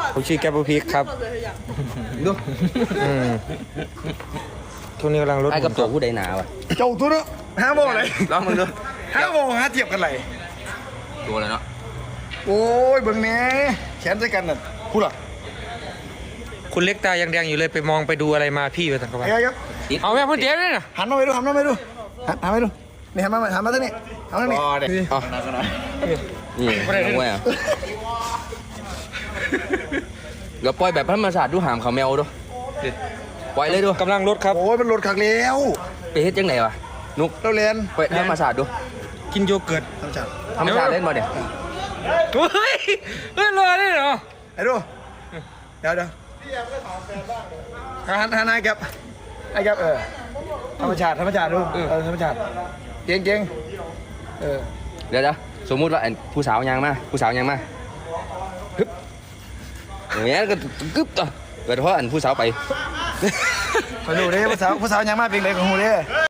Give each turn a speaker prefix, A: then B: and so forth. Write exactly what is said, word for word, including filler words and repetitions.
A: ผมชื่อแกปพีกครับดูทุกนี้กำลังรถ
B: ไอ้กับตัวผู้ใดหนาวะ
C: เจ้าตัวเนาะห้าโมงเลย
B: ลองมึงดู
C: ห้าโมงห้าเทียบกันเลย
B: ตัวเลยเนาะ
C: โอ้ยเบิ่งแหน่แขนใส่กันน่ะพูดหรอ
A: คุณเล็กตายังแดงอยู่เลยไปมองไปดูอะไรมาพี่ไปสังกัด
C: ไอ้ครับ
A: เอาแม่พูดเจ๊ด้วยนะ
C: หันมาไปดูหันมาไปดูหันหันมาไปดูนี่หันมาหันมาทางนี้หันมาทางนี้
B: อ๋อนี่น้องแหวะเดี๋ยวปล่อยแบบธรรมชาติดูหามเขาแมวดูปล่อยเลยดู
A: กำลังรถครับ
C: โอ้ยมันหลดขักแล้ว
B: ไปเฮ็ดจังไหนวะนุก
C: เราเรียน
B: ปล่อยธรรมชาติดู
A: กินโยเกิร์ต
C: ทำจัด
B: ธรรมชาติเล่นมาเดี๋ยว
A: เฮ้ยเฮ้ยรอได้เหรอ
C: ไอ้ดูเดี๋ยวเดี๋ยวหันหันไอ้แกบไอ้แกบเออธรรมชาติธรรมชาติดูเออธรรมชาติเก่งเก่งเออ
B: เดี๋ยวเดี๋ยวสมมุติว่าผู้สาวยางมาผู้สาวยางมาฮึบอย่างเงี้ยก็กึ๊บต่อเกิดเพราะอันผู้สาวไป
C: ไปดูดิผู้สาวผู้สาวยังมาเป็นไรของหูดิ